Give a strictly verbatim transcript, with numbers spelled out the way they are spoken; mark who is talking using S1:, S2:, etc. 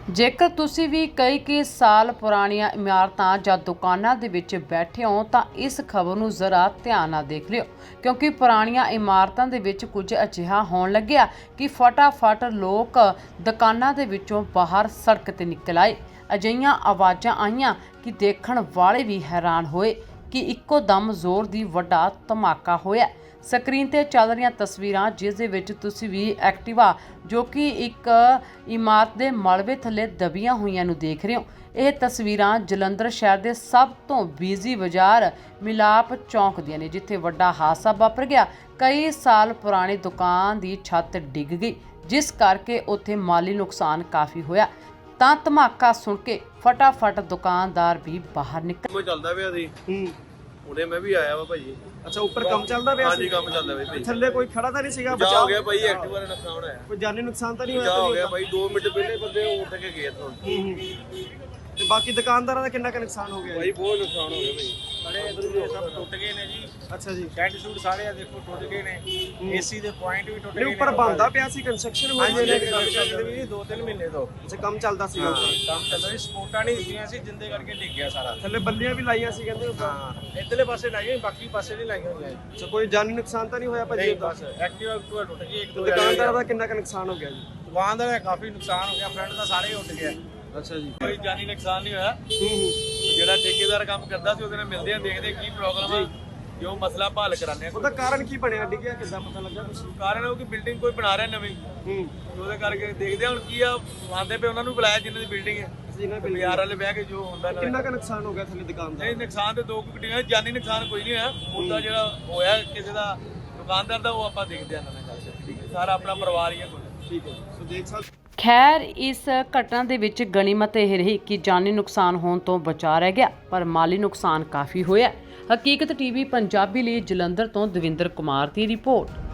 S1: ਜੇਕਰ ਤੁਸੀਂ ਵੀ ਕਈ ਕਈ ਸਾਲ ਪੁਰਾਣੀਆਂ ਇਮਾਰਤਾਂ ਜਾਂ ਦੁਕਾਨਾਂ ਦੇ ਵਿੱਚ ਬੈਠੇ ਹੋ ਤਾਂ ਇਸ ਖਬਰ ਨੂੰ ਜ਼ਰਾ ਧਿਆਨ ਨਾਲ ਦੇਖ ਲਿਓ, ਕਿਉਂਕਿ ਪੁਰਾਣੀਆਂ ਇਮਾਰਤਾਂ ਦੇ ਵਿੱਚ ਕੁਝ ਅਜਿਹਾ ਹੋਣ ਲੱਗਿਆ ਕਿ ਫਟਾਫਟ ਲੋਕ ਦੁਕਾਨਾਂ ਦੇ ਵਿੱਚੋਂ ਬਾਹਰ ਸੜਕ ਤੇ ਨਿਕਲ ਆਏ। ਅਜਿਹੀਆਂ ਆਵਾਜ਼ਾਂ ਆਈਆਂ ਕਿ ਦੇਖਣ ਵਾਲੇ ਵੀ ਹੈਰਾਨ ਹੋਏ ਕਿ ਇੱਕੋ ਦਮ ਜ਼ੋਰ ਦੀ ਵੱਡਾ ਧਮਾਕਾ ਹੋਇਆ। ਸਕਰੀਨ ਤੇ ਚੱਲ ਰਹੀਆਂ ਤਸਵੀਰਾਂ ਜਿਸ ਦੇ ਵਿੱਚ ਤੁਸੀਂ ਵੀ ਐਕਟਿਵਾ ਜੋ ਕਿ ਇੱਕ ਇਮਾਰਤ ਦੇ ਮਲਬੇ ਥੱਲੇ ਦਬੀਆਂ ਹੋਈਆਂ ਨੂੰ ਦੇਖ ਰਹੇ ਹੋ। ਇਹ ਤਸਵੀਰਾਂ ਜਲੰਧਰ ਸ਼ਹਿਰ ਦੇ ਸਭ ਤੋਂ ਬਿਜ਼ੀ ਬਾਜ਼ਾਰ ਮਿਲਾਪ ਚੌਂਕ ਦੀਆਂ ਨੇ, ਜਿੱਥੇ ਵੱਡਾ ਹਾਦਸਾ ਵਾਪਰ ਗਿਆ। ਕਈ ਸਾਲ ਪੁਰਾਣੀ ਦੁਕਾਨ ਦੀ ਛੱਤ ਡਿੱਗ ਗਈ, ਜਿਸ ਕਰਕੇ ਉੱਥੇ ਮਾਲੀ ਨੁਕਸਾਨ ਕਾਫੀ ਹੋਇਆ। ਤਾਂ ਧਮਾਕਾ ਸੁਣ ਕੇ ਫਟਾਫਟ ਦੁਕਾਨਦਾਰ ਵੀ ਬਾਹਰ ਨਿਕਲ
S2: ਕੋਈ ਚੱਲਦਾ ਪਿਆ ਸੀ।
S3: ਹੂੰ
S2: ਉਹਨੇ ਮੈਂ ਵੀ ਆਇਆ ਵਾ ਭਾਜੀ।
S3: ਅੱਛਾ, ਉੱਪਰ ਕੰਮ ਚੱਲਦਾ ਪਿਆ
S2: ਹਾਂਜੀ
S3: ਸੀ।
S2: ਕੰਮ ਚੱਲਦਾ ਪਿਆ ਭਾਈ।
S3: ਥੱਲੇ ਕੋਈ ਖੜਾ ਤਾਂ ਨਹੀਂ ਸੀਗਾ?
S2: ਬਚਾਅ ਹੋ ਗਿਆ ਭਾਈ, ਐਕਟਿਵਾ ਦਾ ਨੁਕਸਾਨ ਹੋਇਆ।
S3: ਕੋਈ ਜਾਨੀ ਨੁਕਸਾਨ ਤਾਂ ਨਹੀਂ ਹੋਇਆ?
S2: ਬਚਾਅ ਹੋ ਗਿਆ ਭਾਈ, ਦੋ ਮਿੰਟ ਪਹਿਲੇ ਬੰਦੇ ਉੱਠ ਕੇ ਗਏ ਇੱਥੋਂ।
S3: ਹੂੰ ਹੂੰ। ਤੇ ਬਾਕੀ ਦੁਕਾਨਦਾਰਾਂ ਦਾ ਕਿੰਨਾ ਕੁ ਨੁਕਸਾਨ ਹੋ ਗਿਆ
S2: ਭਾਈ ਬਹੁਤ ਨੁਕਸਾਨ ਹੋ ਗਿਆ ਭਾਈ।
S4: ਸਾਰੇ ਇਧਰ ਸਭ ਟੁੱਟ ਗਏ ਨੇ ਜੀ।
S3: ਅੱਛਾ ਜੀ।
S4: ਸ਼ੈਡ ਸ਼ੂਟ ਸਾਰੇ ਆ ਦੇਖੋ ਟੁੱਟ ਗਏ ਨੇ। ਏਸੀ ਦੇ ਪੁਆਇੰਟ ਵੀ ਟੁੱਟ ਗਏ
S3: ਨਹੀਂ,
S4: ਨੇ।
S3: ਉੱਪਰ ਬੰਦਾ ਪਿਆ ਸੀ, ਕੰਸਟਰਕਸ਼ਨ ਹੋਈ
S4: ਹਾਂਜੀ
S3: ਹੋਈ
S4: ਨੇ ਕੰਮ ਚੱਲਦੇ ਵੀ ਦੋ ਤਿੰਨ ਮਹੀਨੇ ਤੋਂ।
S3: ਅੱਛਾ, ਕੰਮ ਚੱਲਦਾ ਸੀ।
S4: ਹਾਂ ਕੰਮ ਚੱਲਦਾ ਸੀ, ਸਪੋਰਟਾਂ ਨਹੀਂ ਦਿੱਤੀਆਂ ਸੀ ਜਿੰਦੇ ਕਰਕੇ ਡਿੱਗ ਗਿਆ ਸਾਰਾ।
S3: ਥੱਲੇ ਬੱਲੀਆਂ ਵੀ ਲਾਈਆਂ ਸੀ ਕਹਿੰਦੇ ਉੱਪਰ।
S4: ਹਾਂ ਇਧਰਲੇ ਪਾਸੇ ਲਾਈਆਂ, ਬਾਕੀ ਪਾਸੇ ਨਹੀਂ ਲਾਈਆਂ ਹੋਈਆਂ।
S3: ਅੱਛਾ, ਕੋਈ ਜਾਨੀ ਨੁਕਸਾਨ ਤਾਂ ਨਹੀਂ ਹੋਇਆ ਭਾਜੀ?
S4: ਨਹੀਂ ਬਸ ਐਕਟਿਵਾ ਐਕਟਿਵਾ ਟੁੱਟ ਗਈ ਇੱਕ ਦੋ।
S3: ਦੁਕਾਨਦਾਰਾਂ ਦਾ ਕਿੰਨਾ ਕੁ ਨੁਕਸਾਨ ਹੋ ਗਿਆ ਜੀ?
S4: ਦੁਕਾਨਦਾਰ ਦਾ ਕਾਫੀ ਨੁਕਸਾਨ ਹੋ ਗਿਆ, ਫਰੰਟ ਦਾ ਸਾਰੇ ਉੱਡ ਗਿਆ।
S3: ਅੱਛਾ ਜੀ।
S2: ਕੋਈ ਜਾਨੀ ਨੁਕਸਾਨ ਨਹੀਂ ਹੋਇਆ।
S3: ਹੂੰ ਹੂੰ।
S2: ਜਿਹੜਾ ਠੇਕੇਦਾਰ ਕੰਮ ਕਰਦਾ ਸੀ ਉਹਦੇ ਨਾਲ ਮਿਲਦੇ ਆ, ਦੇਖਦੇ ਕੀ ਪ੍ਰੋਬਲਮ ਆ, ਜੋ ਮਸਲਾ ਹੱਲ ਕਰਾਉਂਦੇ ਆ।
S3: ਉਹਦਾ ਕਾਰਨ ਕੀ ਬਣਿਆ? ਡਿੱਗਿਆ ਕਿੱਦਾਂ, ਪਤਾ ਲੱਗਾ ਕੁਛ?
S2: ਕਾਰਨ ਉਹ ਕਿ ਬਿਲਡਿੰਗ ਕੋਈ ਬਣਾ ਰਿਹਾ ਨਵੀਂ,
S3: ਹੂੰ।
S2: ਉਹਦੇ ਕਰਕੇ ਦੇਖਦੇ ਆ ਹੁਣ ਕੀ ਆ। ਆਂਦੇ ਪਏ ਉਹਨਾਂ ਨੂੰ ਬੁਲਾਇਆ ਜਿਨ੍ਹਾਂ ਦੀ ਬਿਲਡਿੰਗ ਹੈ,
S3: ਜਿਹਨਾਂ ਬਿੱਲ
S2: ਬਾਜ਼ਾਰ ਵਾਲੇ ਬਹਿ ਕੇ ਜੋ ਹੁੰਦਾ ਨਾ।
S3: ਕਿੰਨਾ ਕੁ ਨੁਕਸਾਨ ਹੋ ਗਿਆ ਥੱਲੇ ਦੁਕਾਨ ਦਾ?
S2: ਨਹੀਂ ਨੁਕਸਾਨ ਤੇ ਦੋ ਕੁ ਗੱਡੀਆਂ, ਜਾਨੀ ਨੁਕਸਾਨ ਕੋਈ ਨਹੀਂ ਹੋਇਆ। ਉਹਦਾ ਜਿਹੜਾ ਹੋਇਆ ਕਿਸੇ ਦਾ ਦੁਕਾਨਦਾਰ ਦਾ, ਉਹ ਆਪਾਂ ਦੇਖਦੇ ਆ ਨਾ ਗੱਲ। ਠੀਕ ਹੈ, ਸਾਰਾ ਆਪਣਾ ਪਰਿਵਾਰ ਹੀ ਹੈ ਕੋਈ।
S3: ਠੀਕ ਹੈ, ਸੋ ਦੇਖ ਸਕਦੇ।
S1: ਖੈਰ, ਇਸ ਘਟਨਾ ਦੇ ਵਿੱਚ ਗਨੀਮਤ ਇਹ ਰਹੀ ਕਿ ਜਾਨੀ ਨੁਕਸਾਨ ਹੋਣ ਤੋਂ ਬਚਾ ਰਹਿ ਗਿਆ, ਪਰ ਮਾਲੀ ਨੁਕਸਾਨ ਕਾਫੀ ਹੋਇਆ। ਹਕੀਕਤ ਟੀਵੀ ਪੰਜਾਬੀ ਲਈ ਜਲੰਧਰ ਤੋਂ ਦਵਿੰਦਰ ਕੁਮਾਰ ਦੀ ਰਿਪੋਰਟ।